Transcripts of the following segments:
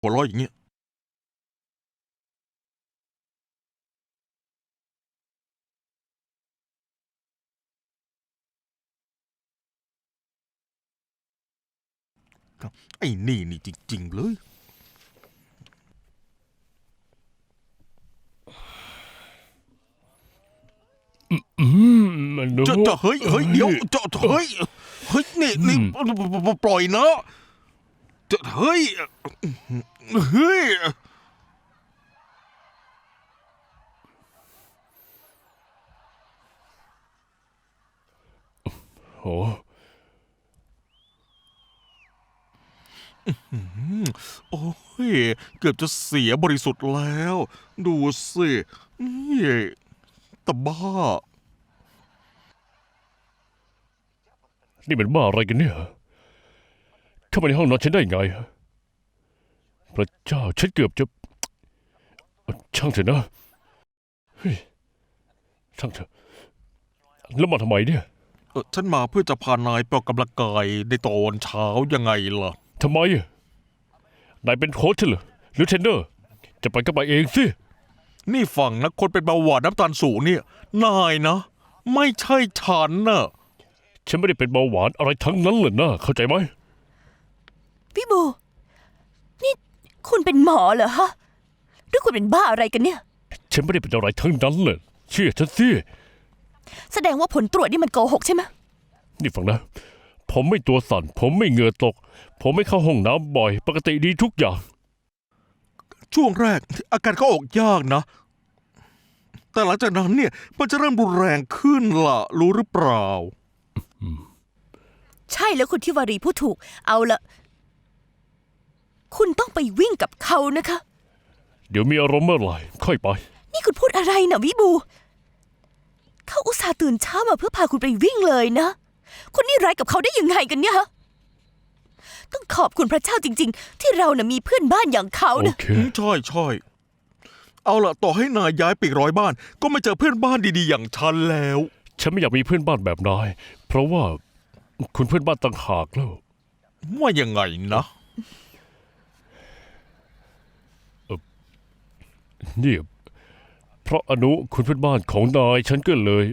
หัวเราะอย่างเงี้ยไอ้นี่จริงๆเลยมันดูจะเฮ้ยเดี๋ยวจะเฮ้ยนี่ปล่อยนะจะเฮ้ยโอ้โอ้ยเกือบจะเสียบริสุทธิ์แล้ว ดูสินี่ตะบ้านี่มันบ้าอะไรกันเนี่ยเข้ามาในห้องนอนฉันได้ไงพระเจ้าฉันเกือบจะช่างเถอะนะเฮ้ยช่างเถอะแล้วมาทำไมเนี่ยฉันมาเพื่อจะพานายไปออกกำลังกายในตอนเช้ายังไงล่ะทำไมนายเป็นโค้ชใช่เหรอหรือเทรนเนอร์จะไปก็ไปเองสินี่ฟังนะคนเป็นเบาหวานน้ำตาลสูงเนี่ยนายนะ ไม่ใช่ฉันน่ะฉันไม่ได้เป็นเบาหวานอะไรทั้งนั้นเลยนะเข้าใจไหมพี่บูนี่คุณเป็นหมอเหรอฮะหรือคุณเป็นบ้าอะไรกันเนี่ยฉันไม่ได้เป็นอะไรทั้งนั้นเลยเชื่อฉันสิแสดงว่าผลตรวจนี่มันโกหกใช่ไหมนี่ฟังนะผมไม่ตัวสั่นผมไม่เหงื่อตกผมไม่เข้าห้องน้ำบ่อยปกติดีทุกอย่างช่วงแรกอาการก็ออกยากนะ แต่หลังจากนั้นเนี่ยมันจะเริ่มรุนแรงขึ้นล่ะ รู้หรือเปล่าใช่แล้วคุณทิวารีพูดถูกเอาละคุณต้องไปวิ่งกับเขานะคะเดี๋ยวมีอารมณ์เมื่อไหร่ค่อยไปนี่คุณพูดอะไรนะวิบู เขาอุตส่าห์ตื่นเช้ามาเพื่อพาคุณไปวิ่งเลยนะ คุณนี่ร้ายกับเขาได้ยังไงกันเนี่ยฮะต้องขอบคุณพระเจ้าจริงๆ ที่เราน่ะมีเพื่อนบ้านอย่างเขาโอนะเคใช่ เอาล่ะต่อให้นายย้ายไปอีก100 บ้าน ก็ไม่เจอเพื่อนบ้านดีๆอย่างฉันแล้วฉันไม่อยากมีเพื่อนบ้านแบบนายเพราะว่าคุณเพื่อนบ้านต่างหากแล้วว่ายังไงนะนี่เพราะอนุคุณเพื่อนบ้านของนายฉันก็เลย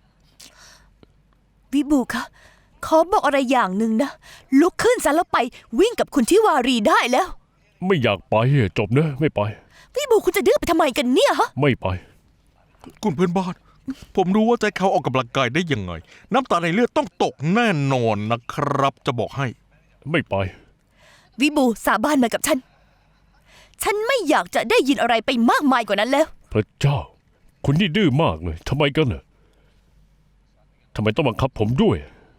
วิบูคะขอบอกอะไรอย่างหนึ่งนะลุกขึ้นซะแล้วไปวิ่งกับคุณทิวารีได้แล้วไม่อยากไปจบนะไม่ไปวิบูคุณจะดื้อไปทำไมกันเนี่ยฮะไม่ไปคุณเพื่อนบ้าน ผมรู้ว่าใจเขาออกกำลังกายได้ยังไง น้ำตาในเลือดต้องตกแน่นอนนะครับ จะบอกให้ไม่ไปวิบูสาบานมากับฉัน ฉันไม่อยากจะได้ยินอะไรไปมากมายกว่านั้นแล้วพระเจ้า คุณนี่ดื้อมากเลยทำไมกันน่ะทำไมต้องบังคับผมด้วย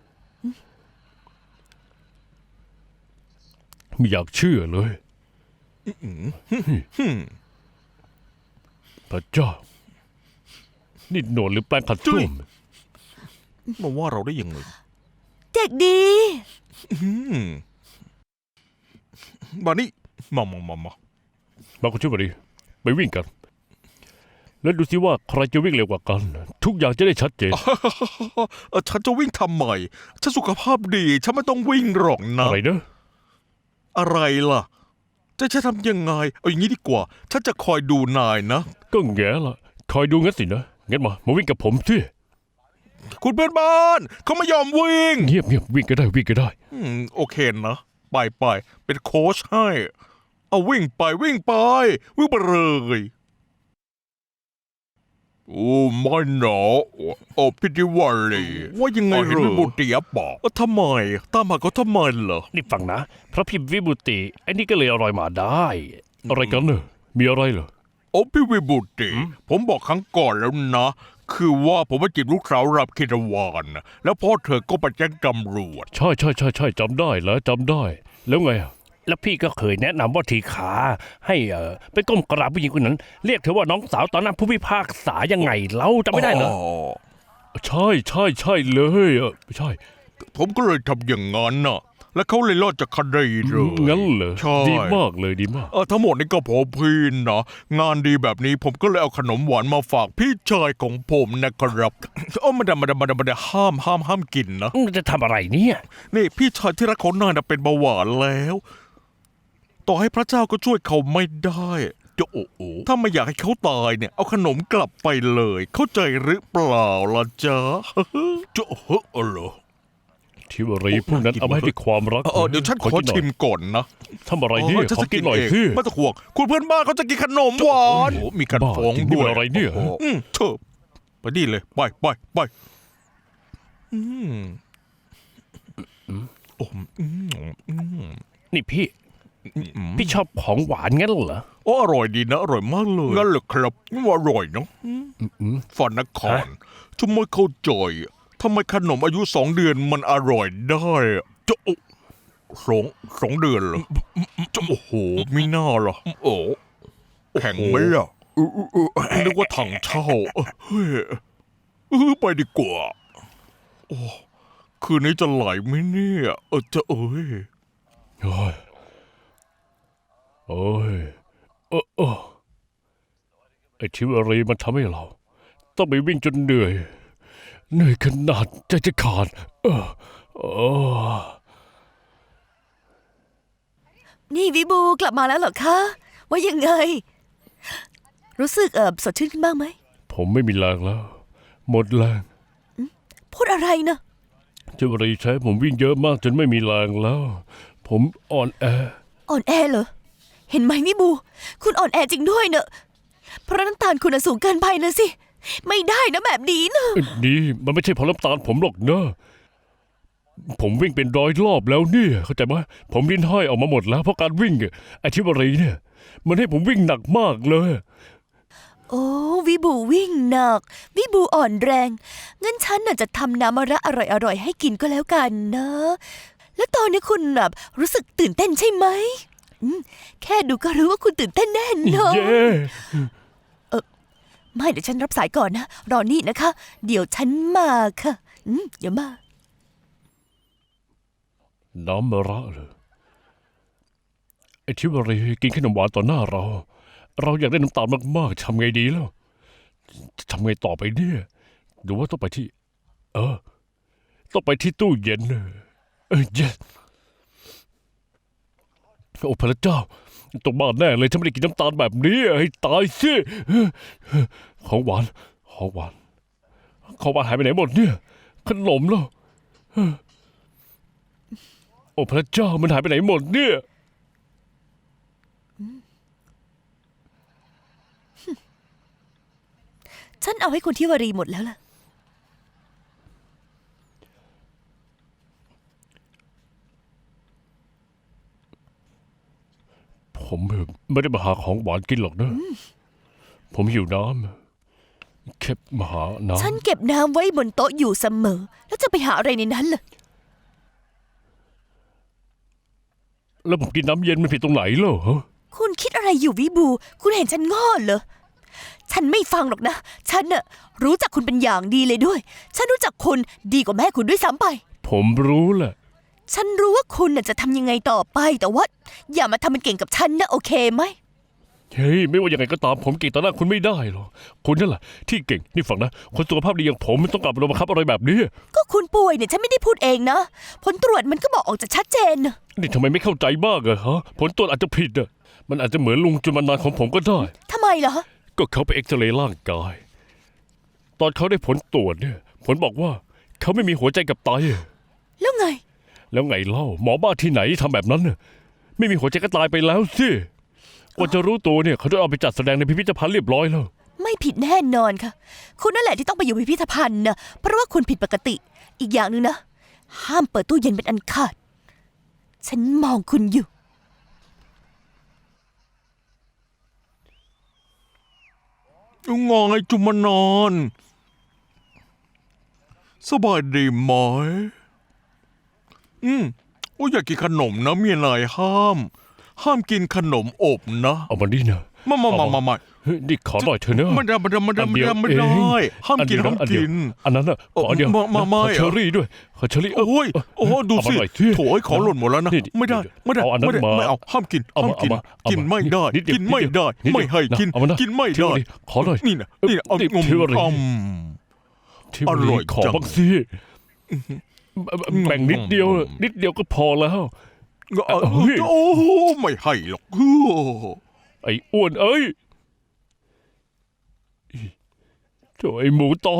ไม่อยากเชื่อเลยพระเจ้า นี่หนวดหรือแปลงขัดส้วมมาว่าเราได้ยังไงเด็กดีบานี่มามาคุณช่วยมาดิไปวิ่งกัน แล้วดูสิว่าใครจะวิ่งเร็วกว่ากัน ทุกอย่างจะได้ชัดเจนฉันจะวิ่งทำไมฉันสุขภาพดี ฉันไม่ต้องวิ่งหรอกนะอะไรนะอะไรล่ะ จะทำยังไง เอาอย่างนี้ดีกว่า ฉันจะคอยดูนายนะก็แง่ละคอยดูงั้นสินะงั้นมาวิ่งกับผมสิคุณเพื่อนบ้านเขาไม่ยอมวิ่งเงียบวิ่งก็ได้วิ่งก็ได้โอเคนะ ไปเป็นโค้ชให้ เอาวิ่งไปวิ่งไปเลยโอ้ไม่หนอโอ้พิธีวารีว่ายังไงเห็นวิบุตรีบอกทำไมตามหาเขาทำไมเหรอนี่ฟังนะพระพิมพ์วิบุติไอ้นี่ก็เลยอร่อยมาได้ อะไรกันเนอะมีอะไรเหรอโอ้พี่วิบุตรีผมบอกครั้งก่อนแล้วนะ คือว่าผมมาจีบลูกสาวรับคิรวานนะแล้วพ่อเธอก็ไปแจ้งตำรวจใช่จำได้แล้วจำได้ แล้วไงอะแล้วพี่ก็เคยแนะนำว่าทีขาให้ไปก้มกราบผู้หญิงคนนั้น เรียกเธอว่าน้องสาวตอนนั้นผู้พิพากษายังไงเราจำไม่ได้เหรอใช่เลยใช่ผมก็เลยทำอย่างนั้นน่ะ แล้วเขาเลยรอดจากคดีเลยงั้นเหรอใช่ดีมากเลยดีมากทั้งหมดนี่ก็เพอพี่นะงานดีแบบนี้ผมก็เลยเอาขนมหวานมาฝากพี่ชายของผมนะครับไม่ได้ห้ามกินนะจะทำอะไรเนี่ยนี่พี่ชายที่รักของนายน่ะเป็นเบาหวานแล้วต่อให้พระเจ้าก็ช่วยเขาไม่ได้จะโอ้โหถ้าไม่อยากให้เขาตายเนี่ยเอาขนมกลับไปเลย เข้าใจหรือเปล่าล่ะจ๊ะ จะเฮ้อเหรอทิวรีพวกนั้นเอามาให้ด้วยความรักเดี๋ยวฉันขอกินหน่ยชิมก่อนนะทำอะไรเนี่ยฉันขอจะกินหน่อยเองสิไม่ต้องห่วงคุณเพื่อนบ้านเขาจะกินขนมหวานโอ้โหมีการบ้าฟ้องจริงด้วยนี่อะไรเนี่ยโอ้โหเถอะไปดีเลยไปอืมโอ้อืมนี่พี่ พี่ชอบของหวานงั้นเหรอโอ้อร่อยดีนะอร่อยมากเลยงั้นเหรอครับว่าอร่อยเนาะฝันนครทำไมเข้าใจทำไมขนมอายุ2 เดือนมันอร่อยได้อะจะโอ้สองเดือนเหรอจะโอ้โหไม่น่าหรอโอ้แข็งไหมล่ะนึกว่าถังเช่าเฮ้ยไปดีกว่าโอ้คืนนี้จะไหลไหมเนี่ยจะเอ้ยโอ้ยโอ้ยไอ้ทิวรีมันทำให้เรา ต้องไปวิ่งจนเหนื่อยขนาดใจจะขาดอนี่วิบูกลับมาแล้วเหรอคะ ว่ายังไง รู้สึกสดชื่นขึ้นบ้างไหมผมไม่มีแรงแล้ว หมดแรงพูดอะไรนะทิวรีใช้ผมวิ่งเยอะมากจนไม่มีแรงแล้ว ผมอ่อนแออ่อนแอเหรอ เห็นไหมวิบู คุณอ่อนแอจริงด้วยเนอะเพราะน้ำตาลคุณน่ะสูงเกินไปนะสิ ไม่ได้นะแบบนี้นะนี่มันไม่ใช่เพราะน้ำตาลผมหรอกนะผมวิ่งเป็น100 รอบแล้วเนี่ยเข้าใจไหมผมลิ้นห้อยออกมาหมดแล้วเพราะการวิ่งอะไอ้ทิวรีเนี่ย มันให้ผมวิ่งหนักมากเลยโอ้วิบูวิ่งหนัก วิบูอ่อนแรง งั้นฉันน่ะจะทำน้ำมะระอร่อยๆให้กินก็แล้วกันนะ แล้วตอนนี้คุณแบบรู้สึกตื่นเต้นใช่ไหมแค่ดูก็รู้ว่าคุณตื่นเต้นแน่นอนเย้ไม่เดี๋ยวฉันรับสายก่อนนะ รอนี่นะคะ เดี๋ยวฉันมาค่ะเดี๋ยวมาน้ำมะระเลยไอ้ทิวรีกินขนมหวานต่อหน้าเรา เราอยากได้น้ำตาลมากๆทำไงดีแล้วจะทำไงต่อไปเนี่ยหรือว่าต้องไปที่ ต้องไปที่ตู้เย็นเย็นโอ้พระเจ้าต้องบ้าแน่เลยฉันไม่ได้กินน้ำตาลแบบนี้ให้ตายสิของหวานของหวานหายไปไหนหมดเนี่ย ขนมแล้วโอ้พระเจ้ามันหายไปไหนหมดเนี่ยฉันเอาให้คุณทิวารีหมดแล้วล่ะผมไม่ได้มาหาของหวานกินหรอกนะ ผมหิวน้ำแค่มาหาน้ฉันเก็บน้ำไว้บนโต๊ะอยู่เสมอ แล้วจะไปหาอะไรในนั้นล่ะำแล้วผมกินน้ำเย็นมันผิดตรงไหนเหรอฮะคุณคิดอะไรอยู่วิบู คุณเห็นฉันง้อเหรอ ฉันไม่ฟังหรอกนะ ฉันน่ะรู้จักคุณเป็นอย่างดีเลยด้วย ฉันรู้จักคุณดีกว่าแม่คุณด้วยซ้ำไปผมรู้แหละฉันรู้ว่าคุณน่ะจะทำยังไงต่อไป แต่ว่าอย่ามาทำเป็นเก่งกับฉันนะโอเคไหมเฮ้ยไม่ว่ายังไงก็ตามผมเก่งต่อหน้าคุณไม่ได้หรอกคุณนั่นแหละที่เก่งนี่ฟังนะคนสุขภาพดีอย่างผมมันต้องกลับมาบังคับอะไรแบบนี้ก็คุณป่วยเนี่ยฉันไม่ได้พูดเองนะ ผลตรวจมันก็บอกออกจะชัดเจนนะนี่ทำไมไม่เข้าใจบ้างอะฮะผลตรวจอาจจะผิดอะมันอาจจะเหมือนลุงจุลมานานของผมก็ได้ทำไมเหรอก็เขาไปเอ็กซเรย์ร่างกาย ตอนเขาได้ผลตรวจเนี่ย ผลบอกว่าเขาไม่มีหัวใจกับไตแล้วไงแล้วไงเล่าหมอบ้าที่ไหนทำแบบนั้นน่ะไม่มีหัวใจก็ตายไปแล้วสิกว่าจะรู้ตัวเนี่ยเขาจะเอาไปจัดแสดงในพิพิธภัณฑ์เรียบร้อยแล้วไม่ผิดแน่นอนค่ะ คุณนั่นแหละที่ต้องไปอยู่พิพิธภัณฑ์นะเพราะว่าคุณผิดปกติ อีกอย่างหนึ่งนะ ห้ามเปิดตู้เย็นเป็นอันขาด ฉันมองคุณอยู่งอไงจุมานอน สบายดีไหมโอ้ยอยากกินขนมนะเมียนายห้ามกินขนมอบนะเอามานี่นะมาเฮ้ยนี่ขอหน่อยเถอะเนอะไม่ได้อันเดียวไม่เองได้ห้ามอันกิเดีนยวห้ามอันเดียวกินอันนั้นน่ะขออันเดียวมาขอเชอรี่ด้วยขอเชอรี่โอ้ยดูสิเอามาหน่อยสิโถยของหล่นหมดแล้วนะนี่ไม่ได้เอาอันนั้นมาไม่เอาห้ามกินเอาห้ามมากินเอามากินไม่ได้นิดเดียวกินไม่ได้นิดเดียวไม่ให้กินเอามานะกินไม่เที่ยวได้ดิขอหน่อยนี่นะเอานี่งมเที่ยวดิ ที่อร่อยขอจังบ้างสิแบ่งนิดเดียวก็พอแล้วโอ้ไม่ให้หรอกไอ้อ้วนเอ้ยโถ่ไอ้หมูตอน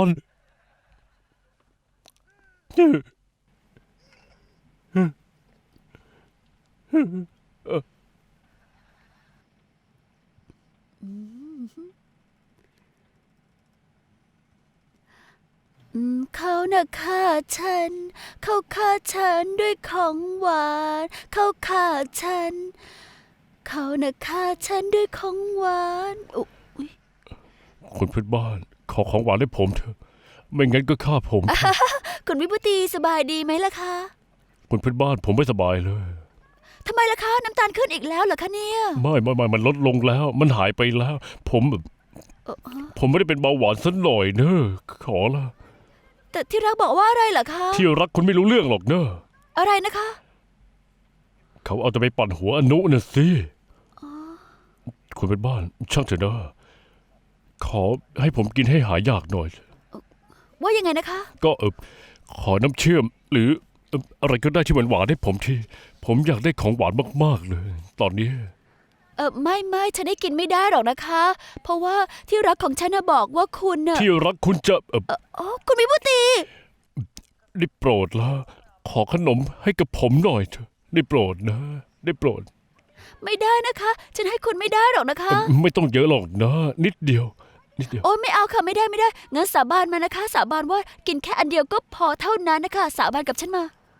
เขาน่ะฆ่าฉัน เขาฆ่าฉันด้วยของหวาน เขาฆ่าฉัน เขาน่ะฆ่าฉันด้วยของหวานอุ๊ยคุณเพื่อนบ้านขอของหวานให้ผมเถอะ ไม่งั้นก็ฆ่าผมเถอะคุณวิบูตีสบายดีไหมล่ะคะคุณเพื่อนบ้านผมไม่สบายเลยทำไมล่ะคะ น้ำตาลขึ้นอีกแล้วเหรอคะเนี่ยไม่มันลดลงแล้ว มันหายไปแล้ว ผมแบบ ผมไม่ได้เป็นเบาหวานสักหน่อยเนอะขอละแต่ที่รักบอกว่าอะไรเหรอคะที่รักคุณไม่รู้เรื่องหรอกเนอะอะไรนะคะเขาเอาจะไปปั่นหัวอนุน่ะสิคุณเป็นบ้านช่างเถอะนะขอให้ผมกินให้หายากหน่อยว่ายังไงนะคะก็ขอน้ำเชื่อม หรืออะไรก็ได้ที่หวานๆให้ผมที่ผมอยากได้ของหวานมากๆเลย ตอนนี้ไม่ฉันได้กินไม่ได้หรอกนะคะ เพราะว่าที่รักของฉันน่ะบอกว่าคุณน่ะที่รักคุณจะอ๋อคุณวิบูตีได้โปรดละขอขนมให้กับผมหน่อยเถอะได้โปรดนะ ได้โปรดไม่ได้นะคะ ฉันให้คุณไม่ได้หรอกนะคะไม่ต้องเยอะหรอกนะ นิดเดียวโอ้ยไม่เอาค่ะไม่ได้งั้นสาบานมานะคะ สาบานว่ากินแค่อันเดียวก็พอเท่านั้นนะคะ สาบานกับฉันมา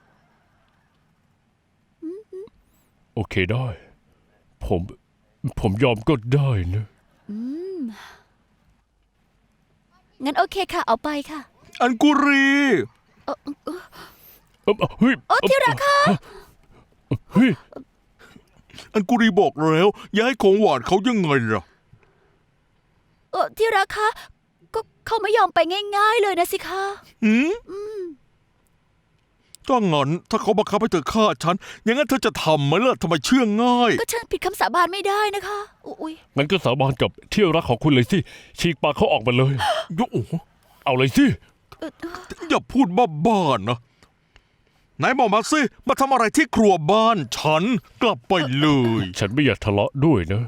โอเคได้ ผมยอมก็ได้นะงั้นโอเคค่ะ เอาไปค่ะอันกุรีเฮ้ยโอ้ที่รักค่ะเฮ้ยอันกุรีบอกแล้วอย่าให้ของหวานเขายังไงล่ะที่รักคะก็เขาไม่ยอมไปง่าย ๆเลยนะสิคะถ้างั้นถ้าเขาบังคับให้เธอฆ่าฉันอย่างนั้นเธอจะทำไหมล่ะทำไมเชื่อง่ายก็ฉันผิดคำสาบานไม่ได้นะคะอุ้ยงั้นก็สาบานกับที่รักของคุณเลยสิฉีกปากเขาออกมาเลยโอ้โหเอาเลยสิอย่าพูดบ้าๆนะไหนบอกมาสิมาทำอะไรที่ครัวบ้านฉันกลับไปเลยฉันไม่อยากทะเลาะด้วยนะ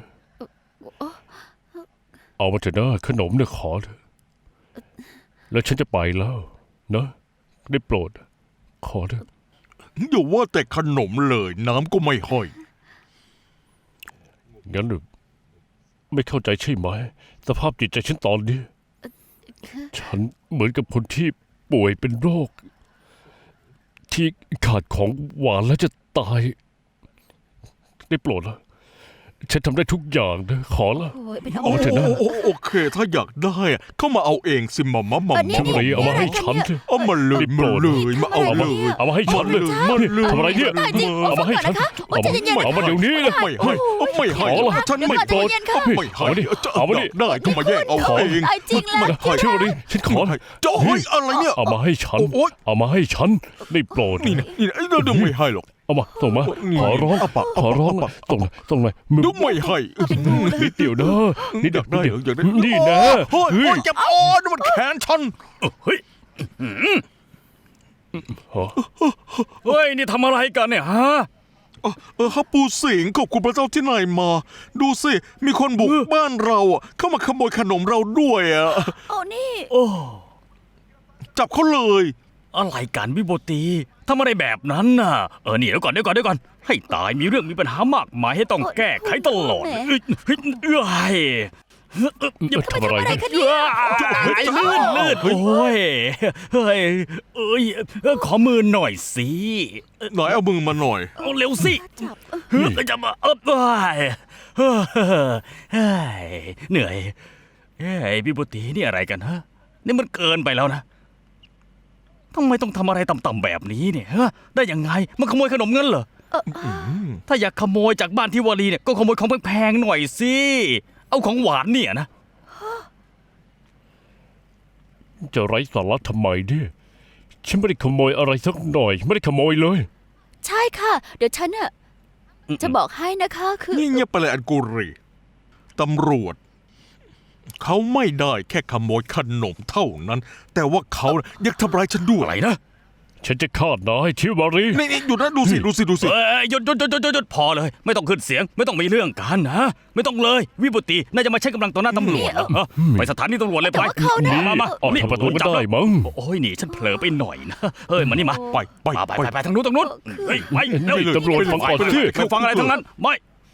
เอามาเถอะนะขนมเนี่ยขอเถอะแล้วฉันจะไปแล้วนะได้โปรด ขอเถอะอย่าว่าแต่ขนมเลยน้ำก็ไม่ให้งั้นหรือไม่เข้าใจใช่ไหมสภาพจิตใจฉันตอนนี้ ฉันเหมือนกับคนที่ป่วยเป็นโรค ที่ขาดของหวานแล้วจะตาย ได้โปรดละฉันทำได้ทุกอย่างนะขอละโอ้ยเป็นเอาเถอะนะโอเค ถ้าอยากได้อะเข้ามาเอาเองสิมาฉันเลยเอามาให้ฉันเถอะเอามาเลยมาเลยมาเอาเลยเอามาให้ฉันเลยมาเลยทำอะไรเนี่ย เอามาให้ฉัน เอามาเอามาเดี๋ยวนี้นะไม่ให้ไม่ให้ขอละฉันไม่โกรธไม่ให้เอามาดิเอามาดิได้ก็มาแย่งเอาเองตายจริงแล้วไม่ให้เชื่อดิฉันขอจะเฮ้ยอะไรเนี่ยเอามาให้ฉันโอ๊ยเอามาให้ฉันได้โปรดนี่นะเดี๋ยวไม่ให้หรอกเอามาส่งมานี่ขอร้องเอาปะขอร้องเอาปะส่งหน่อยมือเดี๋ยวไม่ให้นิดเดียวนะนิดอยากได้เดียวอยากได้นี่นะเฮ้ยเฮ้ยเจ็บอ๋อนี่มันแขนฉันเฮ้ย นี่ทำอะไรกันเนี่ยฮะฮับปูสิงขอบคุณพระเจ้าที่ไหนมา ดูสิ มีคนบุกบ้านเราอะเข้ามาขโมยขนมเราด้วยอ่ะโอ้นี่โอ้จับเขาเลยอะไรกันวิโบตีทำอะไรแบบนั้นน่ะ นี่เดี๋ยวก่อน ให้ตายมีเรื่องมีปัญหามากมายให้ต้องแก้ไขตลอดเอ้ยอย่าทำอะไรนะลื่นโอ้ยเฮ้ยขอมือหน่อยสิไหนเอามือมาหน่อยเอาเร็วสิจับจะมาเหนื่อยเฮ้ยพี่บุตรีนี่อะไรกันฮะนี่มันเกินไปแล้วนะทำไมต้องทำอะไรต่ำๆแบบนี้เนี่ยฮะได้ยังไงมันขโมยขนมเงินเหรอถ้าอยากขโมยจากบ้านที่วารีเนี่ยก็ขโมยของแพงๆหน่อยสิเอาของหวานเนี่ยนะจะไร้สาระทำไมเนี่ยฉันไม่ได้ขโมยอะไรสักหน่อย ไม่ได้ขโมยเลยใช่ค่ะ เดี๋ยวฉันอะจะบอกให้นะคะคือนี่เงียบไปเลยอันกุรีตำรวจ เขาไม่ได้แค่ขโมยขนมเท่านั้น แต่ว่าเขาอยากทำร้ายฉันด้วยอะไรนะฉันจะฆ่านายชิวารีนี่หยุดนะดูสิเอ้ยหยุดพอเลย ไม่ต้องขึ้นเสียง ไม่ต้องมีเรื่องกันนะไม่ต้องเลย วิบุตรีน่าจะมาใช้กำลังต่อหน้าตำรวจเหรอไปสถานีตำรวจเลยไปแต่ว่าเขาน่ะมาออกทางประตูก็ได้มั้งโอ้ยนี่ฉันเผลอไปหน่อยนะเฮ้ยมานี่มาไปไปทางนู้นเฮ้ยไปเร็วนี่ตำรวจฟังก่อนสิไม่ฟังอะไรทั้งนั้นไม่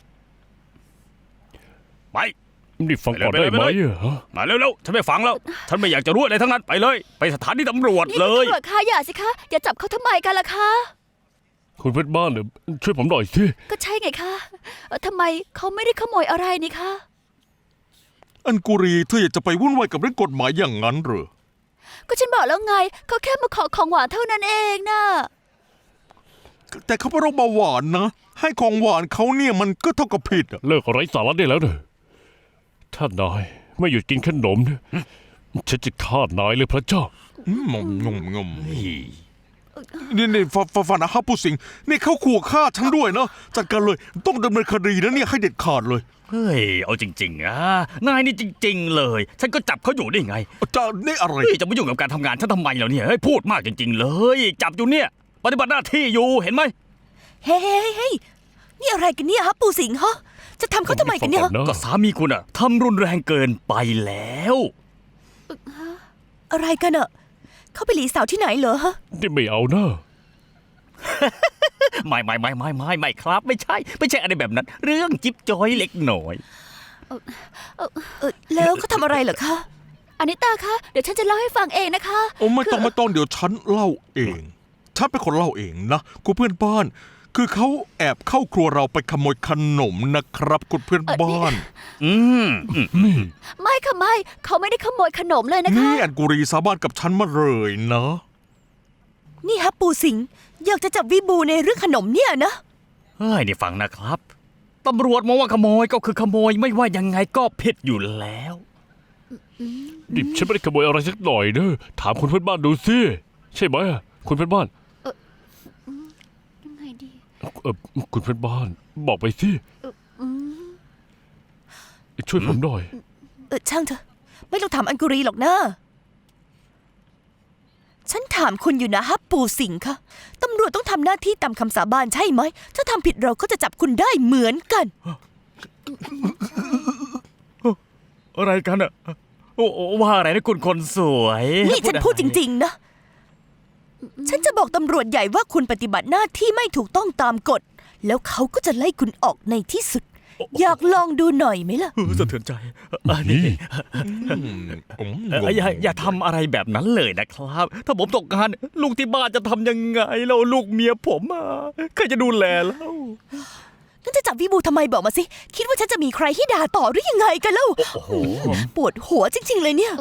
ไปนี่ฟังก่อนได้ไหมฮะมาเร็วๆฉันไม่ฟังแล้ว ฉันไม่อยากจะรู้อะไรทั้งนั้นไปเลย ไปสถานีตำรวจนี่เลคุณยตำรวจคะอย่าสิคะอย่าจับเขาทำไมกันล่ะคะคุณเพื่อนบ้านเนี่ยช่วยผมหน่อยสิก็ใช่ไงคะทำไมเขาไม่ได้ขโมยอะไรนี่คะอันกุรีเธออยากจะไปวุ่นวายกับเรื่องกฎหมายอย่างนั้นเหรอก็ฉันบอกแล้วไงเขาแค่มาขอของหวานเท่านั้นเองนะแต่เขาเป็นโรคเบาหวานนะให้ของหวานเขาเนี่ยมันก็เท่ากับผิดอะเลิกไร้สาระได้แล้วเนอะถ้านายไม่หยุดกินขนมเนี่ยฉันจะฆ่านายเลยพระเจ้างมนี่ฟันนะฮับผู้สิงนี่เขาขู่ฆ่าฉันด้วยนะจัดการเลยต้องดำเนินคดีนะเนี่ยให้เด็ดขาดเลยเฮ้ยเอาจริงๆนายนี่จริง ๆ เลย ฉันก็จับเขาอยู่ได้ไงจะนี่อะไรเฮ้ยจะมายุ่งกับการทำงานฉันทำไมแล้วเนี่ยเฮ้ยพูดมากจริง ๆ เลย จับอยู่เนี่ย ปฏิบัติหน้าที่อยู่เห็นไหมเฮ้ยนี่อะไรกันเนี่ยฮะปู่สิงห์ฮะจะทำเขาทำไมกันเนี่ยฟังก่อนนะก็สามีคุณอะทำรุนแรงเกินไปแล้วอะไรกันอะเขาไปหลีสาวที่ไหนเหรอฮะนี่ไม่เอานะไม่ครับ ไม่ใช่อะไรแบบนั้น เรื่องจิ๊บจอยเล็กหน่อยแล้วเขาทำอะไรเหรอคะอนิตาคะเดี๋ยวฉันจะเล่าให้ฟังเองนะคะโอ้ไม่ต้องเดี๋ยวฉันเล่าเองฉันเป็นคนเล่าเองนะคุณเพื่อนบ้าน คือเขาแอบเข้าครัวเราไปขโมยขนมนะครับคุณเพื่อนบ้านไม่ค่ะไม่เขาไม่ได้ขโมยขนมเลยนะคะนี่อันกุรีสาบานกับฉันมาเลยนะนี่ฮะปู่สิงห์อยากจะจับวิบูในเรื่องขนมเนี่ยนะเฮ้ยนี่ฟังนะครับ ตำรวจมองว่าขโมยก็คือขโมยไม่ว่ายังไงก็ผิดอยู่แล้วนี่ฉันไม่ได้ขโมยอะไรสักหน่อยเนอะถามคุณเพื่อนบ้านดูสิใช่ไหมอะคุณเพื่อนบ้านยังไงดีคุณเพื่อนบ้าน บอกไปสิช่วยผมหน่อยช่างเถอะไม่ต้องถามอันกุรีหรอกนะฉันถามคุณอยู่นะฮะปู่สิงห์คะตำรวจต้องทำหน้าที่ตามคำสาบานใช่ไหมถ้าทำผิดเราก็จะจับคุณได้เหมือนกันอะไรกันอะโอ้ว่าอะไรนะคุณคนสวยนี่ฉันพูดจริงๆนะ ฉันจะบอกตำรวจใหญ่ว่าคุณปฏิบัติหน้าที่ไม่ถูกต้องตามกฎ แล้วเขาก็จะไล่คุณออกในที่สุด อยากลองดูหน่อยไหมล่ะสะเทือนใจนี่ อย่าทำอะไรแบบนั้นเลยนะครับ ถ้าผมตกงานลูกที่บ้านจะทำยังไงแล้วลูกเมียผมใครจะดูแลแล้วงั้นจะจับวิบูทำไมบอกมาสิ คิดว่าฉันจะมีใครให้ด่าต่อหรือยังไงกันเล่าโอ้โหปวดหัวจริง ๆ เลยเนี่ย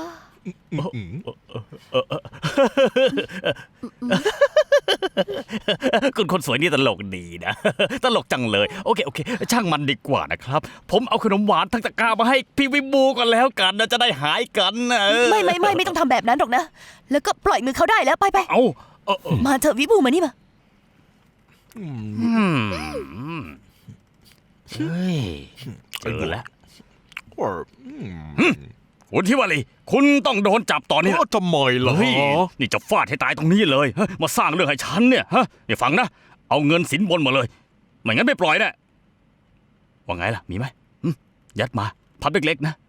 คุณคนสวยนี่ตลกดีนะ ตลกจังเลย โอเคช่างมันดีกว่านะครับ ผมเอาขนมหวานทั้งตะกร้ามาให้พี่วิบูก่อนแล้วกันนะจะได้หายกันนะไม่ต้องทำแบบนั้นหรอกนะ แล้วก็ปล่อยมือเขาได้แล้วไปเอามาเถอะวิบูมานี่มาเฮ้ยเจอแล้วคุณทิวารีคุณต้องโดนจับตอนนี้ทำไมล่ะเฮ้ยนี่จะฟาดให้ตายตรงนี้เลยมาสร้างเรื่องให้ฉันเนี่ยฮะนี่ฟังนะเอาเงินสินบนมาเลยไม่งั้นไม่ปล่อยแน่ว่าไงล่ะมีไหมยัดมาพับเล็กๆนะ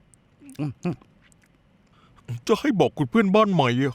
จะให้บอกคุณเพื่อนบ้านใหม่อะ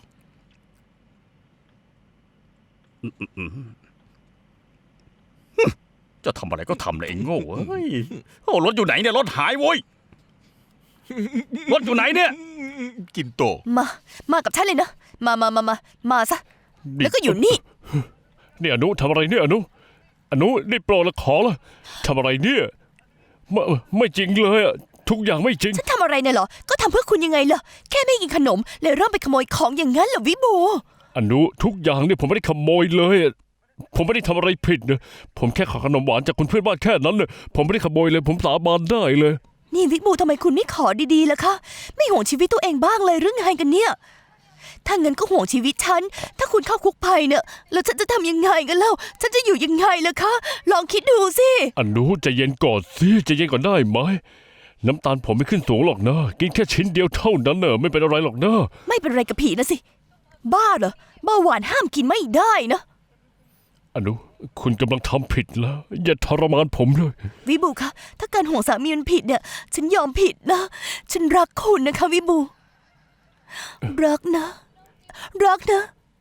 จะทำอะไรก็ทำเลยไอ้โง่เฮ้ยโอ้รถอยู่ไหนเนี่ยรถหายโว้ยรถอยู่ไหนเนี่ยกินโตมากับฉันเลยนะ มาซะ แล้วก็อยู่นี่นี่อนุทำอะไรเนี่ยอนุนี่โปรดละขอละทำอะไรเนี่ยไม่จริงเลยอะทุกอย่างไม่จริงฉันทำอะไรเนี่ยเหรอ ก็ทำเพื่อคุณยังไงล่ะ แค่ไม่กินขนมเลยเริ่มไปขโมยของอย่างนั้นเหรอวิบูอนุทุกอย่างเนี่ยผมไม่ได้ขโมยเลยอะผมไม่ได้ทำอะไรผิดนะผมแค่ขอขนมหวานจากคุณเพื่อนบ้านแค่นั้นเลยผมไม่ได้ขโมยเลยผมสาบานได้เลยนี่วิบูทำไมคุณไม่ขอดีๆล่ะคะ ไม่ห่วงชีวิตตัวเองบ้างเลยหรือไงกันเนี่ย ถ้าเงินก็ห่วงชีวิตฉัน ถ้าคุณเข้าคุกภัยเนี่ยแล้วฉันจะทำยังไงกันเล่า ฉันจะอยู่ยังไงล่ะคะ ลองคิดดูสิอนุใจเย็นก่อนสิใจเย็นก่อนได้ไหมน้ำตาลผมไม่ขึ้นสูงหรอกนะกินแค่ชิ้นเดียวเท่านั้นเนอะไม่เป็นอะไรหรอกนะไม่เป็นไรกับผีนะสิบ้าเหรอเบาหวานห้ามกินไม่ได้นะอนุ คุณกำลังทำผิดแล้ว อย่าทรมานผมเลยวิบูคะถ้าการห่วงสามีมันผิดเนี่ย ฉันยอมผิดนะ ฉันรักคุณนะคะวิบู รักนะ รักนะ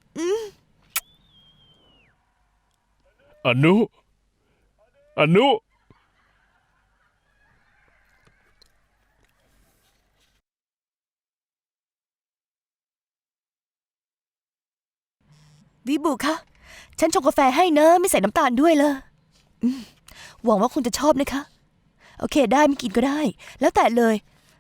อนุ อนุวิบูคะฉันชงกาแฟให้นะ ไม่ใส่น้ำตาลด้วยเลยหวังว่าคุณจะชอบนะคะ โอเคได้ไม่กินก็ได้ แล้วแต่เลย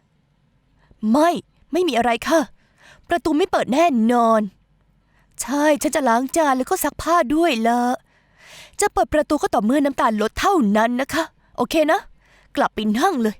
ไม่มีอะไรค่ะ ประตูไม่เปิดแน่นอน ใช่ฉันจะล้างจานแล้วก็ซักผ้าด้วยละจะเปิดประตูก็ต่อเมื่อน้ำตาลลดเท่านั้นนะคะ โอเคนะ กลับไปนั่งเลย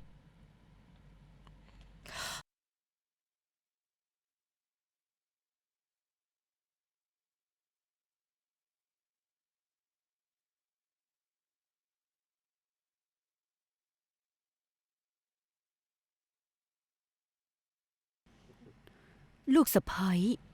ลูกสะใภ้